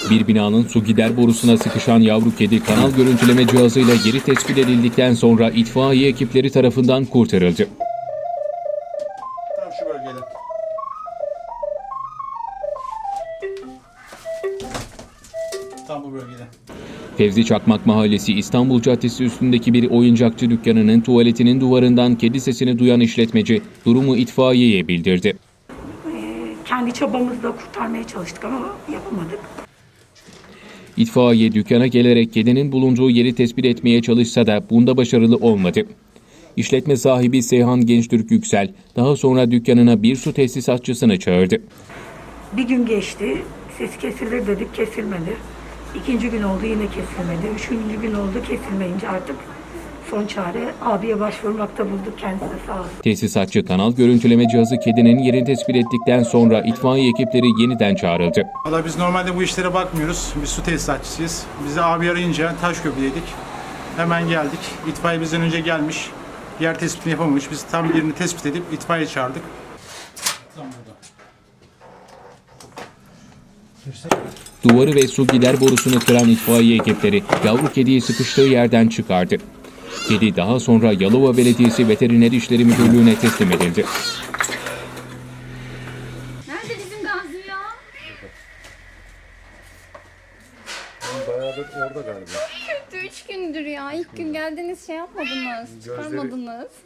Bir binanın su gider borusuna sıkışan yavru kedi kanal görüntüleme cihazıyla yeri tespit edildikten sonra itfaiye ekipleri tarafından kurtarıldı. Tam şu bölgede. Tam bu bölgede. Fevzi Çakmak Mahallesi İstanbul Caddesi üstündeki bir oyuncakçı dükkanının tuvaletinin duvarından kedi sesini duyan işletmeci durumu itfaiyeye bildirdi. Kendi çabamızla kurtarmaya çalıştık ama yapamadık. İtfaiye dükkana gelerek kedinin bulunduğu yeri tespit etmeye çalışsa da bunda başarılı olmadı. İşletme sahibi Seyhan Gençtürk Yüksel daha sonra dükkanına bir su tesisatçısını çağırdı. Bir gün geçti, ses kesilir dedik, kesilmedi. İkinci gün oldu, yine kesilmedi. Üçüncü gün oldu, kesilmeyince artık son çare abiye başvurmakta bulduk, kendisi sağ olsun. Tesisatçı kanal görüntüleme cihazı kedinin yerini tespit ettikten sonra itfaiye ekipleri yeniden çağrıldı. Valla biz normalde bu işlere bakmıyoruz. Biz su tesisatçısıyız. Bizi abi arayınca Taşköprü'deydik. Hemen geldik. İtfaiye bizden önce gelmiş. Yer tespitini yapamamış. Biz tam yerini tespit edip itfaiye çağırdık. Tam burada. Duvarı ve su gider borusunu kıran itfaiye ekipleri yavru kediyi sıkıştığı yerden çıkardı. Kedi daha sonra Yalova Belediyesi Veteriner İşleri Müdürlüğü'ne teslim edildi. Nerede bizim Gazi ya? Bayağıdır orada galiba. Kötü 3 gündür ya. İlk gün geldiniz şey yapmadınız. Çıkarmadınız.